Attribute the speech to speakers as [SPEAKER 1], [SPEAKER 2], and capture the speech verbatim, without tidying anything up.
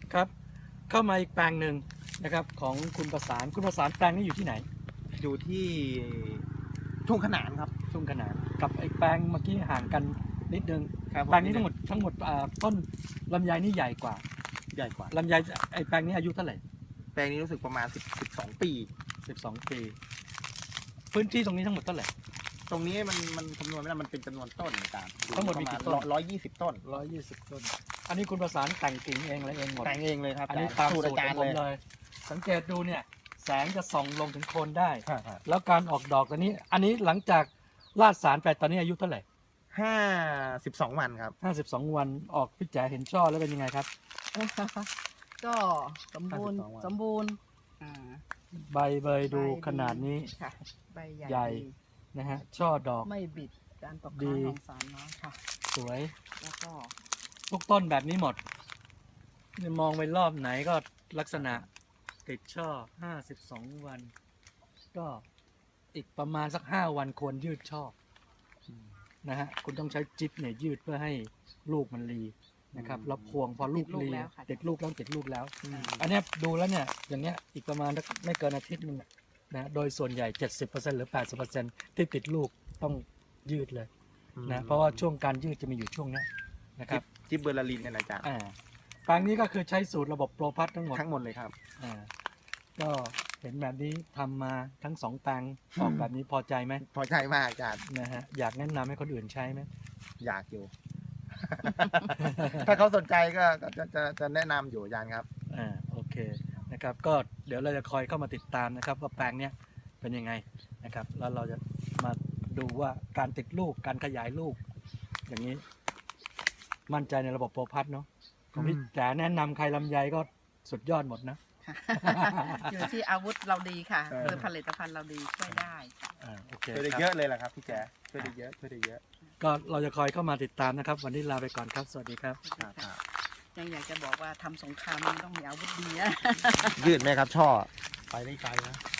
[SPEAKER 1] ครับเข้ามาอีกแปลงหนึ่งนะครับของคุณประสานคุณประสานแปลงนี้อยู่ที่ไหน
[SPEAKER 2] อยู่ที่ทุ่งขนานครับ
[SPEAKER 1] ทุ่งขนานกับไอ้แปลงเมื่อกี้ห่างกันนิดนึง
[SPEAKER 2] ครับ
[SPEAKER 1] แปลงนี้ทั้งหมดทั้งหมดอ่าต้นลำไยนี่ใหญ่กว่า
[SPEAKER 2] ใหญ่กว่า
[SPEAKER 1] ลำไยไอ้แปลงนี้อายุเท่าไหร่
[SPEAKER 2] แปลงนี้รู้สึกประมาณสิบ สิบสองปี
[SPEAKER 1] สิบสองปีพื้นที่ตรงนี้ทั้งหมดเท่าไหร่
[SPEAKER 2] ตรงนี้มันมันคำนวณไม่ได้มันเป็นจำนวนต้นต่างๆ
[SPEAKER 1] ทั้งหมดมีกี่ต้น
[SPEAKER 2] ร้อยยี่สิบต้น
[SPEAKER 1] ร้อยยี่สิบต้นอันนี้คุณประสานแต่งกิ่งเองอะไรเองหมด
[SPEAKER 2] แต่งเองเลยครับ
[SPEAKER 1] อันนี้ตามสูตร
[SPEAKER 2] อาจาร
[SPEAKER 1] ของ
[SPEAKER 2] ย์
[SPEAKER 1] ผม
[SPEAKER 2] เลย
[SPEAKER 1] เลยสังเกตดูเนี่ยแสงจะส่องลงถึงโคนได้
[SPEAKER 2] ครับ
[SPEAKER 1] แล้วการออกดอกตอนนี้ อันนี้หลังจากลาดสารไปตอนนี้อายุเท่าไหร่
[SPEAKER 2] ห้าสิบสองวันครับ
[SPEAKER 1] ห้าสิบสองวันออกพี่แจ๋เห็นช่อแล้วเป็นยังไงครับ
[SPEAKER 3] ก็สมบูรณ์
[SPEAKER 2] ห้าสิบสองวัน
[SPEAKER 3] สมบูรณ์อ่า
[SPEAKER 1] ใบเบยดู
[SPEAKER 3] ใบ
[SPEAKER 1] ขนาดนี้
[SPEAKER 3] ค่ะใบใหญ่
[SPEAKER 1] ใหญ่
[SPEAKER 3] ดี
[SPEAKER 1] นะฮะช่อดอก
[SPEAKER 3] ไม่บิดการตก
[SPEAKER 1] ดี
[SPEAKER 3] ค้างของสารน้อยค่ะ
[SPEAKER 1] สวย
[SPEAKER 3] แล้วก็
[SPEAKER 1] ทุกต้นแบบนี้หมดนี่มองไปรอบไหนก็ลักษณะติดช่อห้าสิบสองวัน ก็อีกประมาณสักห้าวันควรยืดช่อนะฮะคุณต้องใช้จิ๊บเนี่ยยืดเพื่อให้ลูกมันรีนะครับแล้วพวงพอลูกรีติดลูกแล้วติดลูกแล้ว อันเนี้ยดูแล้วเนี่ยอย่างเงี้ยอีกประมาณไม่เกินอาทิตย์นึงนะโดยส่วนใหญ่ เจ็ดสิบเปอร์เซ็นต์ หรือ แปดสิบเปอร์เซ็นต์ ที่ติดลูกต้องยืดเลยนะเพราะว่าช่วงการยืดจะมีอยู่ช่วงเนี้ยนะครับ
[SPEAKER 2] จิบเบอร์ลารินเนี่ยนะอาจารย์
[SPEAKER 1] อ่าแปลงนี้ก็คือใช้สูตรระบบโปรพัททั้งหมด
[SPEAKER 2] ทั้งหมดเลยครับ
[SPEAKER 1] อ่าก็เห็นแบบนี้ทำมาทั้งสองแปลงออกแบบนี้พอใจไหม
[SPEAKER 2] พอใจมากอาจารย์
[SPEAKER 1] นะฮะอยากแนะนำให้คนอื่นใช้ไหม
[SPEAKER 2] อยากอยู่ ถ้าเขาสนใจก็ก็จะจะจะแนะนำอยู่อาจารย์ครับ
[SPEAKER 1] อ่าโอเคนะครับก็เดี๋ยวเราจะคอยเข้ามาติดตามนะครับว่าแปลงเนี้ยเป็นยังไงนะครับแล้วเราจะมาดูว่าการติดลูกการขยายลูก อย่างนี้ มั่นใจในระบบโปรพัทเนาะของพี่
[SPEAKER 2] อืม
[SPEAKER 1] จ๋าแนะนำใครลำไยก็สุดยอดหมดนะ
[SPEAKER 3] ค่ะ อยู่ที่อาวุธเราดีค่ะ
[SPEAKER 2] เออ
[SPEAKER 3] หรือผลิตภัณฑ์เราดีช่วยได้ค่ะ
[SPEAKER 1] อ่าโอเค
[SPEAKER 2] ช่วยได้
[SPEAKER 1] ครับ
[SPEAKER 2] เยอะเลยแหละครับพี่แจ๊ช่วยได้เยอะช่วยได้เยอะ
[SPEAKER 1] ก็เราจะคอยเข้ามาติดตามนะครับ วันนี้ลาไปก่อนครับ สวัสดีครับ
[SPEAKER 2] ครับครับ
[SPEAKER 3] ยังอยากจะบอกว่าทำสงครามมันต้องมีอาวุธดีนะ
[SPEAKER 2] ยืดไหมครับช่อ ไปได้ไกลนะ